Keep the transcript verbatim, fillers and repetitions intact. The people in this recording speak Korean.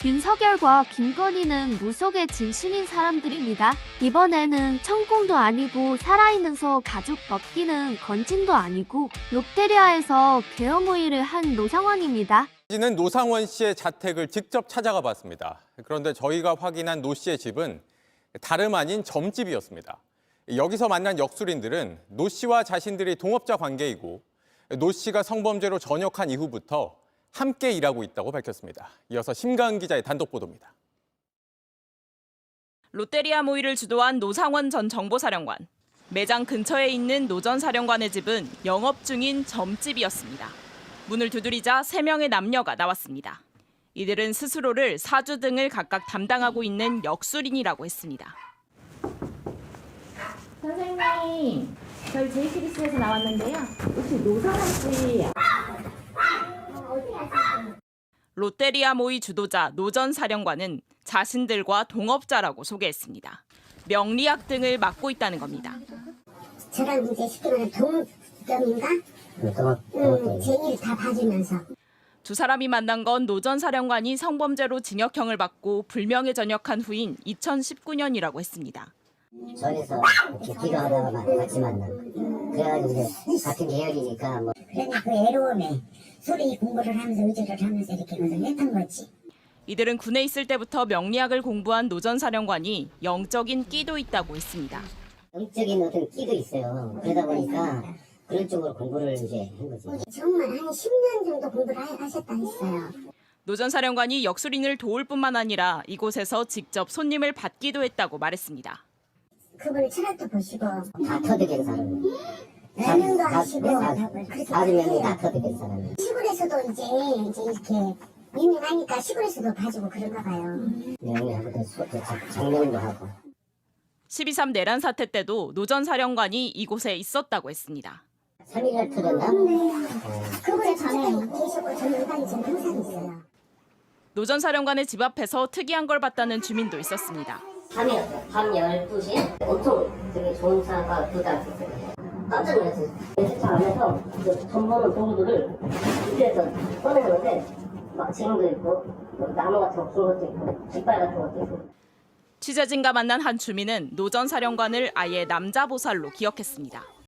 윤석열과 김건희는 무속의 진심인 사람들입니다. 이번에는 천공도 아니고 살아있는 소 가죽 벗기는 건진도 아니고 롯데리아에서 계엄호의를 한 노상원입니다. 는 노상원 씨의 자택을 직접 찾아가 봤습니다. 그런데 저희가 확인한 노 씨의 집은 다름 아닌 점집이었습니다. 여기서 만난 역술인들은 노 씨와 자신들이 동업자 관계이고 노 씨가 성범죄로 전역한 이후부터 함께 일하고 있다고 밝혔습니다. 이어서 심가은 기자의 단독 보도입니다. 롯데리아 모의를 주도한 노상원 전 정보사령관. 매장 근처에 있는 노 전 사령관의 집은 영업 중인 점집이었습니다. 문을 두드리자 세 명의 남녀가 나왔습니다. 이들은 스스로를 사주 등을 각각 담당하고 있는 역술인이라고 했습니다. 선생님, 저희 제이티비씨에서 나왔는데요. 혹시 노상원 씨 롯데리아 모의 주도자 노 전 사령관은 자신들과 동업자라고 소개했습니다. 명리학 등을 맡고 있다는 겁니다. 저랑 이제 쉽게 말하면 동업점인가? 응, 제 일 다 봐주면서. 두 사람이 만난 건 노 전 사령관이 성범죄로 징역형을 받고 불명예 전역한 후인 이천십구 년이라고 했습니다. 전에서 이렇게 기도하다가 같이 만난. 그래가지고 이제 같은 계열이니까 뭐. 그러니 그 애로움에 소리 공부를 하면서 의지를 하면서 이렇게 것을 했던 거지. 이들은 군에 있을 때부터 명리학을 공부한 노 전 사령관이 영적인 끼도 있다고 했습니다. 영적인 어떤 끼도 있어요. 그러다 보니까 그런 쪽으로 공부를 이제 한 거지. 정말 한 십 년 정도 공부를 하셨다 했어요. 노 전 사령관이 역술인을 도울 뿐만 아니라 이곳에서 직접 손님을 받기도 했다고 말했습니다. 그분의 철학도 보시고 다 터득한 사람. 설명도 하시고 사주 명이 다 터득한 사람. 시골에서도 이제 이제 이렇게 유명하니까 시골에서도 봐주고 그런가 봐요. 명리하고 장명도 하고. 십이 삼 내란 사태 때도 노 전 사령관이 이곳에 있었다고 했습니다. 삼 일날 터졌나? 그분의 전에 계시고 저는 일반이 전 항상 있어요. 노 전 사령관의 집 앞에서 특이한 걸 봤다는 주민도 있었습니다. 밤이었어요. 밤 열두 시에 엄청 되게 좋은 차가 도착했어요. 깜짝 놀랐어요. 세차 안에서 돈 버는 도구들을 밑에서 꺼내는데 막 쟁도 있고 나무 같은 거 긴 것도 있고 깃발 같은 것도 있고. 취재진과 만난 한 주민은 노 전 사령관을 아예 남자 보살로 기억했습니다.